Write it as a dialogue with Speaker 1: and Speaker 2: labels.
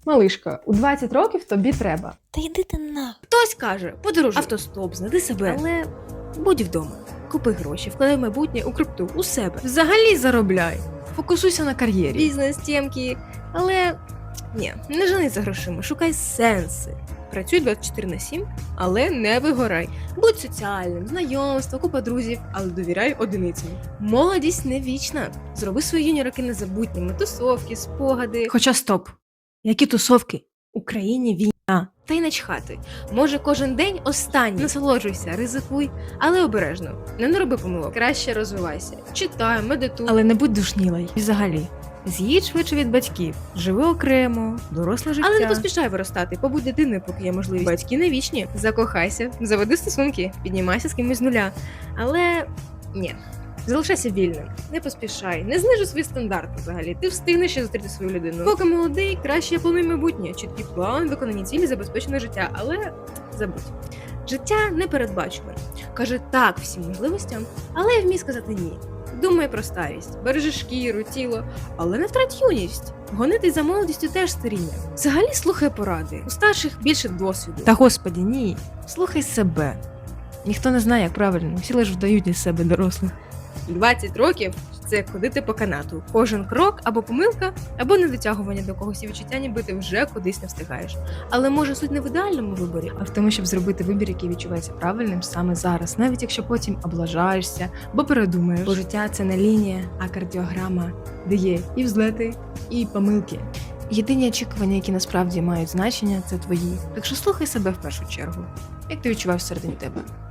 Speaker 1: Малишка, у 20 років тобі треба.
Speaker 2: Та йди ти на.
Speaker 3: Хтось каже, подорожуй, автостоп, знайди себе. Але будь вдома. Купи гроші, вкладай в майбутнє у крипту, у себе.
Speaker 1: Взагалі заробляй. Фокусуйся на кар'єрі.
Speaker 3: Бізнес, тємки. Але ні, не жени за грошима, шукай сенси. Працюй 24/7, але не вигорай. Будь соціальним, знайомство, купа друзів, але довіряй одиницям. Молодість не вічна. Зроби свої юні роки незабутніми. Тусовки, спогади.
Speaker 1: Хоча стоп. Які тусовки?
Speaker 3: В Україні війна. Та й начхати. Може, кожен день останній. Насолоджуйся, ризикуй, але обережно. Не роби помилок. Краще розвивайся. Читай, медитуй.
Speaker 1: Але не будь душнілий. І взагалі. З'їдь швидше від батьків. Живи окремо, доросле життя.
Speaker 3: Але не поспішай виростати, побудь дитиною, поки є можливість. Батьки не вічні. Закохайся, заведи стосунки, піднімайся з кимось з нуля. Але ні. Залишайся вільним, не поспішай, не знижуй свої стандарти взагалі. Ти встигнеш ще зустріти свою людину. Поки молодий, краще плануй майбутнє, чіткий план, виконані цілі, забезпечене життя. Але забудь. Життя непередбачуване. Каже так всім можливостям, але вмій сказати ні. Думай про старість, бережи шкіру, тіло, але не втрать юність. Гонитись за молодістю теж старіння. Взагалі слухай поради. У старших більше досвіду.
Speaker 1: Та господі, ні. Слухай себе. Ніхто не знає, як правильно. Всі лише вдають із себе дорослих.
Speaker 3: 20 років – це ходити по канату. Кожен крок або помилка, або недотягування до когось і відчуття, ніби ти вже кудись не встигаєш. Але може суть не в ідеальному виборі,
Speaker 1: А в тому, щоб зробити вибір, який відчувається правильним саме зараз, навіть якщо потім облажаєшся, або передумаєш. Бо життя – це не лінія, а кардіограма, де є і взлети, і помилки. Єдині очікування, які насправді мають значення, це твої. Так що слухай себе в першу чергу, як ти відчуваєш всередині тебе.